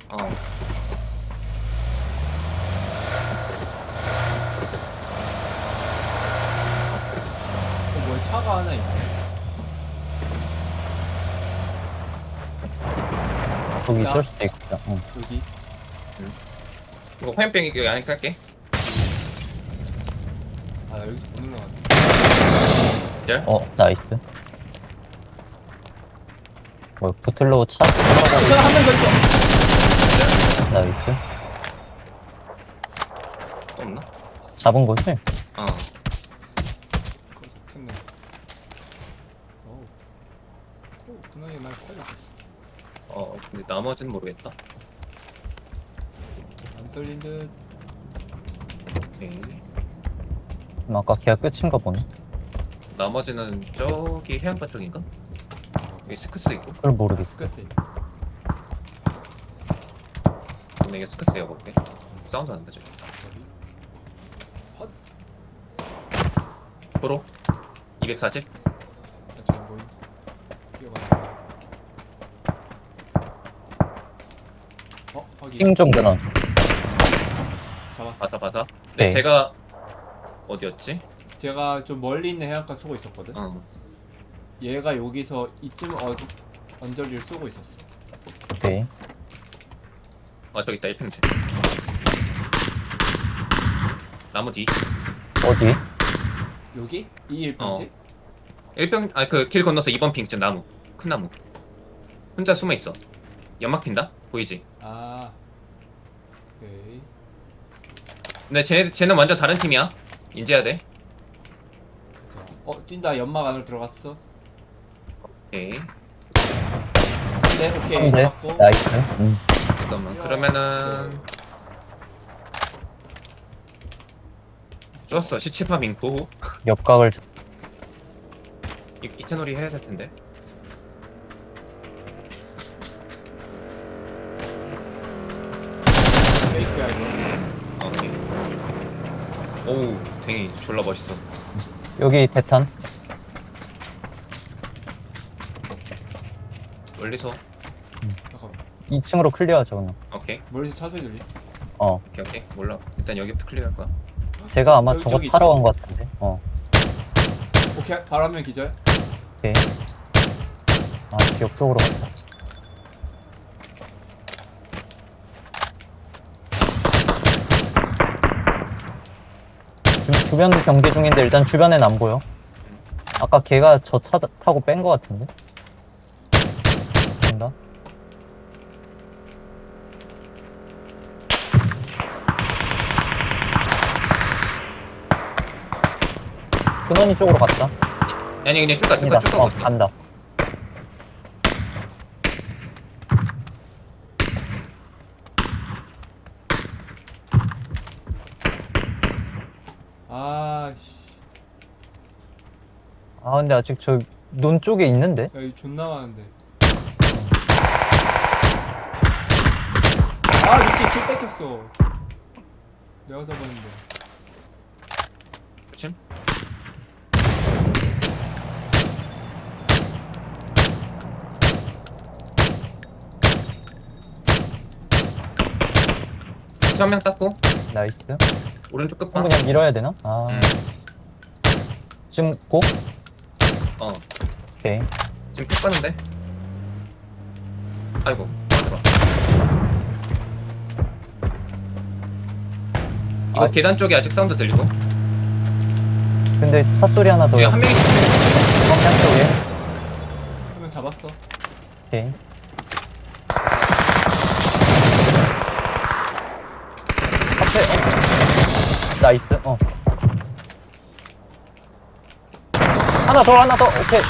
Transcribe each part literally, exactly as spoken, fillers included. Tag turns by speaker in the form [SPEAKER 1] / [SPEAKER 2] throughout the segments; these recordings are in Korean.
[SPEAKER 1] 어.
[SPEAKER 2] 어, 뭐야, 차가 하나 있네.
[SPEAKER 3] 거기
[SPEAKER 2] 야.
[SPEAKER 3] 있을 수도 있겠다. 응.
[SPEAKER 2] 여기.
[SPEAKER 1] 이거 화염병 여기 안에 깔게.
[SPEAKER 2] 아, 나 여기서 못 올라가네.
[SPEAKER 1] 기다려.
[SPEAKER 3] 어, 나이스. 뭐, 붙을로 차?
[SPEAKER 2] 어, 차가 한 명 더 있어.
[SPEAKER 3] 나이스.
[SPEAKER 1] 또 없나?
[SPEAKER 3] 잡은 거지?
[SPEAKER 1] 어.
[SPEAKER 2] 그거 좋겠네. 어우. 오, 그나마 날 살려줬어.
[SPEAKER 1] 어, 근데 나머지는 모르겠다.
[SPEAKER 2] 안 떨린 듯.
[SPEAKER 1] 오케이.
[SPEAKER 3] 그럼 아까 걔가 끝인가 보네.
[SPEAKER 1] 나머지는 저기 해안가 쪽인가? 여기 스크스 있고.
[SPEAKER 3] 그걸 모르겠어.
[SPEAKER 2] 스카스.
[SPEAKER 1] 근데 이게 스크스야 볼게. 사운드 난다 저기.
[SPEAKER 2] 헛.
[SPEAKER 1] 프로 이백사십.
[SPEAKER 2] 나 지금 보임. 뛰어가네. 어, 확인.
[SPEAKER 3] 핑좀 그나.
[SPEAKER 2] 잡았어.
[SPEAKER 1] 바사 바사. 근데
[SPEAKER 3] 네.
[SPEAKER 1] 제가 어디였지?
[SPEAKER 2] 제가 좀 멀리 있는 해안가 쏘고 있었거든.
[SPEAKER 1] 어.
[SPEAKER 2] 얘가 여기서 이쯤 어, 언저리를 쏘고 있었어.
[SPEAKER 3] 오케이.
[SPEAKER 1] 아 저기 있다 일 평지. 나무 뒤.
[SPEAKER 3] 어디?
[SPEAKER 2] 여기? 이 일평지?
[SPEAKER 1] 일 평 아 그 길 건너서 이 번 핑쯤 나무. 큰 나무. 혼자 숨어 있어. 연막 핀다? 보이지?
[SPEAKER 2] 아. 오케이.
[SPEAKER 1] 근데 쟤 쟤는 완전 다른 팀이야. 인지해야 돼.
[SPEAKER 2] 자, 어, 뛴다. 연막 안으로 들어갔어.
[SPEAKER 1] 오케이.
[SPEAKER 2] 네, 오케이.
[SPEAKER 3] 한대
[SPEAKER 2] 잡았고.
[SPEAKER 3] 나이스. 음.
[SPEAKER 1] 잠깐만.
[SPEAKER 2] 야.
[SPEAKER 1] 그러면은 좋았어. 시치파 민포.
[SPEAKER 3] 옆각을 잡-
[SPEAKER 1] 이 이태놀이 해야 될 텐데.
[SPEAKER 2] 페이크야 이거.
[SPEAKER 1] 아, 오케이. 오우, 댕이 졸라 멋있어.
[SPEAKER 3] 여기 대탄.
[SPEAKER 1] 멀리서.
[SPEAKER 2] 잠깐만.
[SPEAKER 3] 이 층으로 클리어하자 그냥.
[SPEAKER 1] 오케이.
[SPEAKER 2] 멀리서 차 소리 들리?
[SPEAKER 3] 어.
[SPEAKER 1] 오케이, 오케이. 몰라. 일단 여기부터 클리어할 거야.
[SPEAKER 3] 제가 아마
[SPEAKER 2] 여기,
[SPEAKER 3] 저거
[SPEAKER 2] 여기
[SPEAKER 3] 타러
[SPEAKER 2] 있다.
[SPEAKER 3] 간 것 같은데. 어.
[SPEAKER 2] 오케이. 바로 한 명 기절.
[SPEAKER 3] 오케이. 아, 지역 쪽으로 갔다. 지금 주변 경계 중인데 일단 주변엔 안 보여. 아까 걔가 저 차 타고 뺀 것 같은데. 된다. 근원이 쪽으로 갔다.
[SPEAKER 1] 아니, 그냥 쭉 가, 쭉 가,
[SPEAKER 3] 아니다.
[SPEAKER 1] 쭉 가.
[SPEAKER 3] 어, 간다.
[SPEAKER 2] 아, 씨.
[SPEAKER 3] 아, 근데 아직 저 논 쪽에 있는데?
[SPEAKER 2] 야, 이 존나 많은데. 아, 미친. 킬 뺏겼어. 내가 잡았는데.
[SPEAKER 1] 그치? 한 명 땄고
[SPEAKER 3] 나이스.
[SPEAKER 1] 오른쪽
[SPEAKER 3] 그럼
[SPEAKER 1] 끝방.
[SPEAKER 3] 그냥 밀어야 되나? 아,
[SPEAKER 1] 음.
[SPEAKER 3] 지금 고?
[SPEAKER 1] 어,
[SPEAKER 3] 오케이.
[SPEAKER 1] 지금 쭉 가는데. 아이고, 안 들어. 이거
[SPEAKER 3] 아.
[SPEAKER 1] 계단 쪽에 아직 사운드 들리고.
[SPEAKER 3] 근데 차 소리 하나 더.
[SPEAKER 1] 여기 한 명이
[SPEAKER 3] 성향 쪽에.
[SPEAKER 2] 한 명 잡았어.
[SPEAKER 3] 오케이. 앞에, 어. 나이스, 어. 하나 더, 하나 더, 오케이.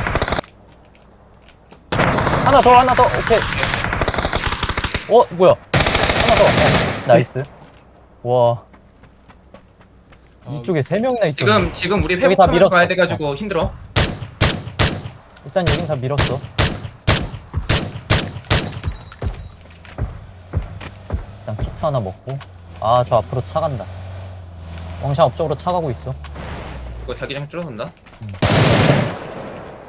[SPEAKER 3] 하나 더, 하나 더, 오케이. 어, 뭐야. 하나 더, 어. 나이스. 와.
[SPEAKER 2] 아,
[SPEAKER 3] 이쪽에 세 명이나 있어.
[SPEAKER 1] 지금 지금 우리
[SPEAKER 3] 여기 다
[SPEAKER 1] 회복하면서
[SPEAKER 3] 밀었어.
[SPEAKER 1] 가야 돼가지고 힘들어.
[SPEAKER 3] 일단 여긴 다 밀었어. 일단 키트 하나 먹고. 아, 저 앞으로 차 간다. 왕샤 앞쪽으로 차 가고 있어.
[SPEAKER 1] 이거 자기장 줄어든다.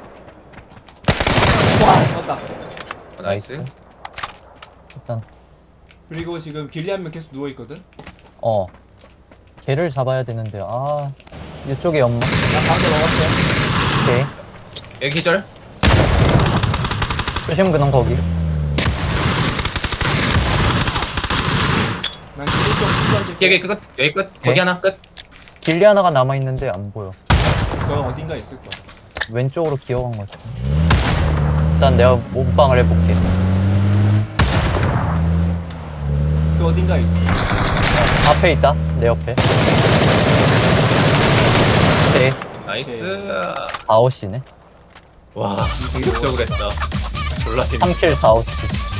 [SPEAKER 2] 와, 잡았다.
[SPEAKER 1] 어, 나이스.
[SPEAKER 3] 일단
[SPEAKER 2] 그리고 지금 길리 한 명 계속 누워 있거든.
[SPEAKER 3] 어. 걔를 잡아야 되는데, 아. 이쪽에 연막.
[SPEAKER 2] 나 방금 먹었어.
[SPEAKER 3] 오케이.
[SPEAKER 1] 여기 기절.
[SPEAKER 3] 조심 그냥 거기.
[SPEAKER 2] 난 길리 쪽 던질게.
[SPEAKER 1] 여기 끝. 여기 끝. 거기
[SPEAKER 3] 네.
[SPEAKER 1] 하나 끝.
[SPEAKER 3] 길리 하나가 남아있는데 안 보여.
[SPEAKER 2] 저 어딘가 있을 거야.
[SPEAKER 3] 왼쪽으로 기어간 것 같아. 일단 내가 몸빵을 해볼게.
[SPEAKER 2] 그 어딘가 있어.
[SPEAKER 3] 앞에 있다. 내 옆에. 오케이.
[SPEAKER 1] 나이스.
[SPEAKER 3] 아웃이네.
[SPEAKER 1] 와, 공격적으로 했다. 졸라 재밌.
[SPEAKER 3] 삼 킬 사 아웃.